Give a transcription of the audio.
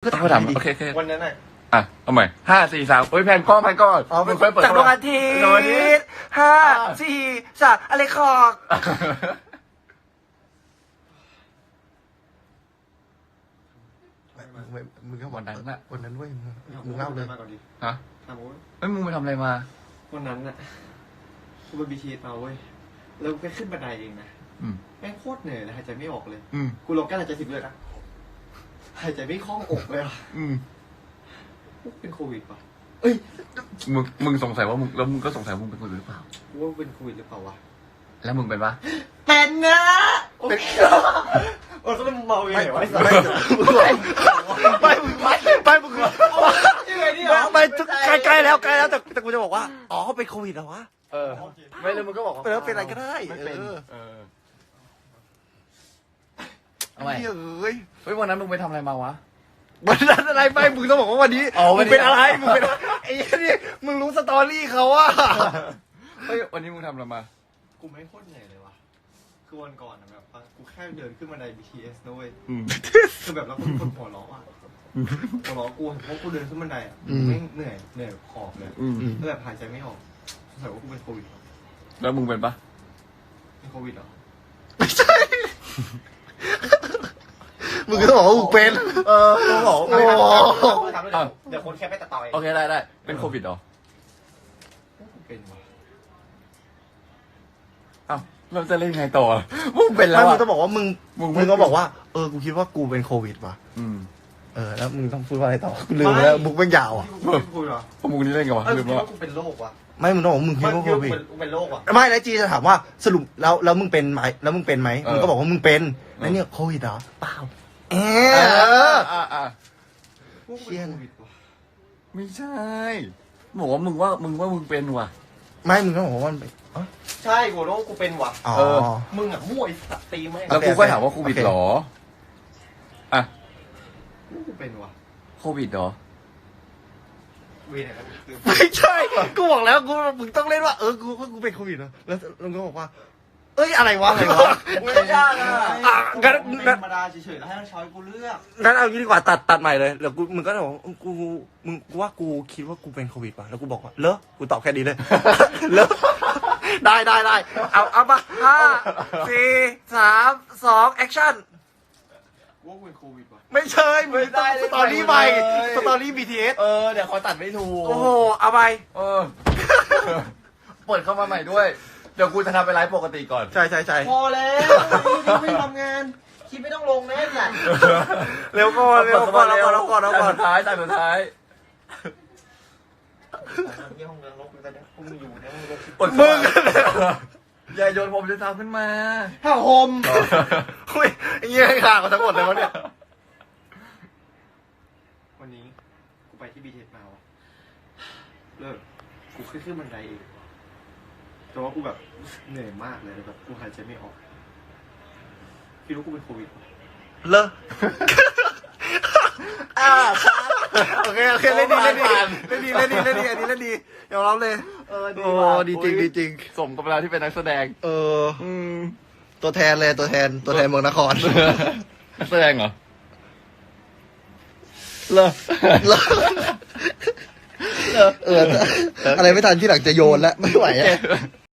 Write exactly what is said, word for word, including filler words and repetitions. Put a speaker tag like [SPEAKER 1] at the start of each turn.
[SPEAKER 1] ก็ถามถามโอเคโอเค
[SPEAKER 2] วันนั้นน่ะ
[SPEAKER 1] อ่ะเอาใหม่ห้าสี่สามโอ้ยแผ่นก้อนแผ่นก้อน
[SPEAKER 2] อ๋อ
[SPEAKER 1] มึงค่อยเปิด
[SPEAKER 2] จากดวงอาทิตย์ห้าสี่สามอะไรคอกมึงก็
[SPEAKER 1] วันนั้นน่ะ
[SPEAKER 2] วันนั้นเว้ยมึงเล่าเลย
[SPEAKER 1] ฮะเอ้ยมึงไปทำอะไรมา
[SPEAKER 3] วันนั้นน่ะกูไปบีทีมาเว้ยแล้วกูแค่ขึ้นบันไดเองนะแม่งโคตรเหนื่อยเลยหายใจไม่ออกเลยกูลงกั้นหายใจสิบเลยนะหายใจไม่คล่องอกเลยอ่ะกูเป็นโควิดป่ะเอ้ย
[SPEAKER 1] มึงมึงสงสัยว่ามึงแล้วมึงก็สงสัยว่ามึงเป็นโควิดหรือเปล่า
[SPEAKER 3] กูว่าเป็นโควิดหรือเปล่าวะ
[SPEAKER 1] แล้วมึงเป็นปะ
[SPEAKER 3] เป็นนะเป็นโอ้ก็เป็นเมาอย่างไรวะไม่
[SPEAKER 2] ไม่ไม่ไม่มึงไม่ใกล้ๆแล้วใกล้แล้วแต่แต่กูจะบอกว่าอ๋อเขาเป็นโควิดเหรอวะ
[SPEAKER 1] เออไม่เลยมึงก็บอกว่า
[SPEAKER 2] เป็นเป็นอะไรก็ได้
[SPEAKER 1] ไม่เป็นเออทำไม
[SPEAKER 2] เฮ้ย
[SPEAKER 1] เฮ้ยวันนั้นมึงไปทำอะไรมาวะ
[SPEAKER 2] วันนั้นอะไรไม่มึงต้องบอกว่าวันนี้มึงเป็นอะไรมึงเป็นไอ้นี่มึงรู้สตอรี่เขาอะ
[SPEAKER 1] เฮ้ยวันนี้มึงทำอะไรมา
[SPEAKER 3] กูไม่โคตรเหนื่อยเลยวะคือวันก่อนนะแบบกูแค่เดินขึ้นบันได บี ที เอส นะเว้ยคือแบบแล้วกูคนหัวล้ออ่ะหัวล้อกูเพราะกูเดินขึ้นบันไดอ่ะไม่เหนื่อยเหนื่อยขอบเลยแล้วแบบหายใจไม่ออกสงสัยว่ากูเป็นโควิด
[SPEAKER 1] แล้วมึงเป็นปะ
[SPEAKER 3] เป็นโควิดเหรอ
[SPEAKER 2] ไม่ใช่มึงก็ต้องบอกว่ามึงเป็นเออมึงบอกโอ้
[SPEAKER 3] เดี๋ยวคนแค่ไปตัดต่อเอง
[SPEAKER 1] โอเคได้ได้เป็นโควิดเหรอ
[SPEAKER 3] เป็นวะ
[SPEAKER 1] อ้าวเราจะเล่นไงต่อมึงเป็นแล้ว
[SPEAKER 2] มึงต้องบอกว่ามึงมึงก็บอกว่าเออกูคิดว่ากูเป็นโควิดว่ะ
[SPEAKER 1] อืม
[SPEAKER 2] เออแล้วมึงต้องพูดว่าอะไรต่อกูลืมแล้วบุกเป็นยาวอ่ะ
[SPEAKER 3] กูเป็นโควิดเหรอ
[SPEAKER 1] พวกมึงนี่เล่นกันวะลืมแล้ว
[SPEAKER 3] กูเป็นโรควะ
[SPEAKER 2] ไม่มึงต้องบอกมึงคิดว่าโควิด
[SPEAKER 3] กูเป็นโรควะ
[SPEAKER 2] ไม่แล้วจีจะถามว่าสรุปแล้วแล้วมึงเป็นไหมแล้วมึงเป็นไหมมึงก็บอกว่ามึงเป็นแล้วเนี่ยโควิดเหรอเปล่าเออ
[SPEAKER 1] อ่าอ่า
[SPEAKER 3] เชี่ย
[SPEAKER 1] ไม่ใช่บอกว่ามึงว่ามึงว่ามึงเป็นว่ะ
[SPEAKER 2] ไม่มึงก็บอกว่า
[SPEAKER 3] ใช่กูรู้กูเป็นว่ะ
[SPEAKER 2] เออ
[SPEAKER 3] มึงอ่ะมั่วไอ้สัตว์ตีไหม
[SPEAKER 1] แล้วกูก็ถามว่าโควิดหรออ่ะ
[SPEAKER 3] กูเป็นว่ะ
[SPEAKER 1] โควิดหรอ
[SPEAKER 2] ไม่ใช่กูบอกแล้วกูมึงต้องเล่นว่าเออกูกูเป็นโควิดนะแล้วลุงก็บอกว่าเอ้ยอะไรวะอะไรวะ
[SPEAKER 3] ไม่ยากอ่ะงั้นธรรมดาเฉยๆแล้วให้ช้อยกูเลือก
[SPEAKER 2] งั้นเอางี้ดีกว่าตัดตัดใหม่เลยเดี๋ยวกูมึงก็บอกกูมึงกูว่ากูคิดว่ากูเป็นโควิดป่ะแล้วกูบอกว่าเลอะกูตอบแค่นี้เลยเลอะได้ได้ได้เอาเอามาห้าสี่สามสองแอคชั่น
[SPEAKER 3] ว่าเป็นโควิดป่ะ
[SPEAKER 2] ไม่ใช่มึงต้องสตอรี่ใหม่สตอรี่ บี ที เอส
[SPEAKER 1] เออเดี๋ยวเขาตัดไม่ถูก
[SPEAKER 2] โอ้โหเอาไป
[SPEAKER 1] เออเปิดเข้ามาใหม่ด้วยเดี๋ยวกูจะทำเป็นไลฟ์ปกติก่อน
[SPEAKER 2] ใช่ใช่ใช่
[SPEAKER 3] พอแล้วไม่ทำงานคิดไม่ต้องลงแน่สัตว์
[SPEAKER 2] เร็วก่อนเร็วก่อนเร็วก่อนเร็วก่อนเร็วก่อน
[SPEAKER 1] สุดท้ายแต่สุดท้าย
[SPEAKER 3] ที่ห้องนรกเลยตอนนี้พวกมึงอยู่นะมึงลง
[SPEAKER 2] มึง
[SPEAKER 1] อย่าโยนผมจะทำขึ้นมา
[SPEAKER 2] ผ้าห่มเฮ้ยเงี้ยขาดมาทั้งหมดเลยวะเนี่ย
[SPEAKER 3] วันนี้กูไปที่บีเทสมาวะเลิกกูขึ้นขึ้นบันไดเองแต่ว่ากูแบบเหนื่อยมากเลยแบบกูหายใจไม่ออกคิดว่ากูเป็นโควิด
[SPEAKER 2] เลอะอ่าโอเคโอเคเล่นดีเล่นดีเล่นดีเล่นดีเล่นดีอันนี้เล่นดียอมรับเลย
[SPEAKER 3] เออดี
[SPEAKER 2] ดีจริงดีจริง
[SPEAKER 1] สมกับเวลาที่เป็นนักแสดง
[SPEAKER 2] เออตัวแทนเลยตัวแทนตัวแทนเมืองนคร
[SPEAKER 1] นักแสดงเหรอ
[SPEAKER 2] เลอะเลอะเอออะไรไม่ทันที่หลังจะโยนแล้วไม่ไหวอ่ะ